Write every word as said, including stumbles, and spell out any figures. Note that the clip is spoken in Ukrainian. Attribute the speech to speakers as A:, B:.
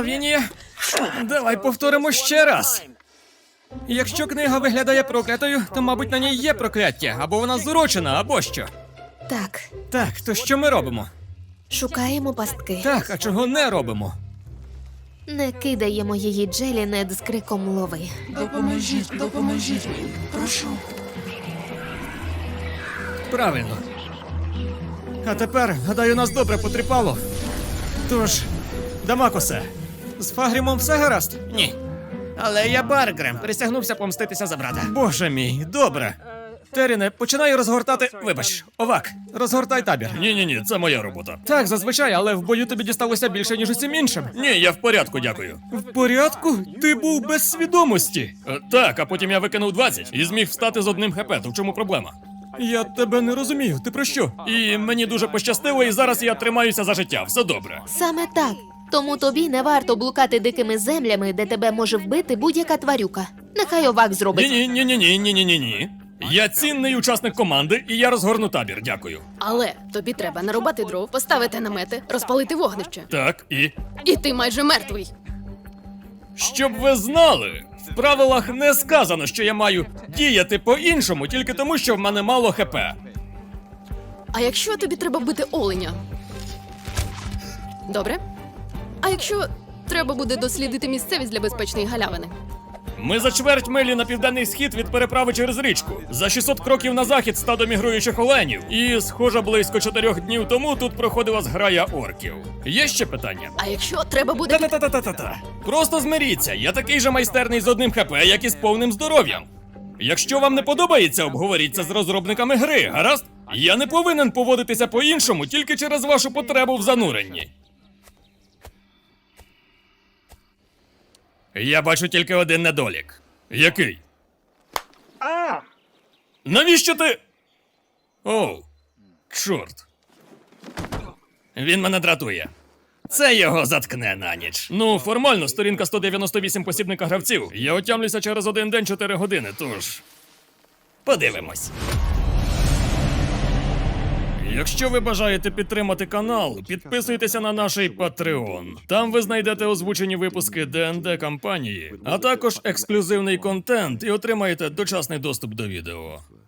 A: Лавінія, давай повторимо ще раз. Якщо книга виглядає проклятою, то, мабуть, на ній є прокляття, або вона зурочена, або що.
B: Так,
A: Так, то що ми робимо?
B: шукаємо пастки.
A: Так, а чого не робимо?
B: Не кидаємо її Джелі нед з криком лови.
C: Допоможіть, допоможіть мені, прошу.
A: Правильно. А тепер, гадаю, нас добре потріпало. Тож, Дамакосе, з Фагрімом все гаразд? Ні. Але я Баргрем, присягнувся помститися за брата. Боже мій, добре. Теріне, починаю розгортати. Вибач, Овак, розгортай табір.
D: Ні-ні-ні, це моя робота.
A: Так, зазвичай, але в бою тобі дісталося більше, ніж усім іншим.
D: Ні, я в порядку, дякую.
A: В порядку? Ти був без свідомості.
D: Е, так, а потім я викинув двадцять і зміг встати з одним хп, то в чому проблема?
A: Я тебе не розумію, ти про що?
D: І мені дуже пощастило, і зараз я тримаюся за життя, все добре.
B: Саме так. Тому тобі не варто блукати дикими землями, де тебе може вбити будь-яка тварюка. Нехай овак зробить.
D: Ні-ні-ні-ні-ні-ні-ні-ні. Я цінний учасник команди, і я розгорну табір, дякую.
E: Але тобі треба нарубати дров, поставити намети, розпалити вогнище.
D: Так, і...
E: І ти майже мертвий.
D: Щоб ви знали, в правилах не сказано, що я маю діяти по-іншому, тільки тому, що в мене мало хп.
E: А якщо тобі треба бити оленя? Добре. А якщо треба буде дослідити місцевість для безпечної галявини?
D: Ми за чверть милі на південний схід від переправи через річку. За шістсот кроків на захід стадо мігруючих оленів. І, схоже, близько чотирьох днів тому тут проходила зграя орків. Є ще питання?
E: А якщо треба буде...
D: Та-та-та-та-та-та. Просто змиріться, я такий же майстерний з одним хп, як і з повним здоров'ям. Якщо вам не подобається, обговоріть це з розробниками гри, гаразд? Я не повинен поводитися по-іншому тільки через вашу потребу в зануренні. Я бачу тільки один недолік. Який? А! Навіщо ти? Оу, чорт. Він мене дратує. Це його заткне на ніч. Ну, формально, сторінка сто дев'яносто вісім посібника гравців. Я отямлюся через один день чотири години, тож... Подивимось. Якщо ви бажаєте підтримати канал, підписуйтеся на наш Patreon. Там ви знайдете озвучені випуски Д Н Д кампанії, а також ексклюзивний контент і отримаєте дочасний доступ до відео.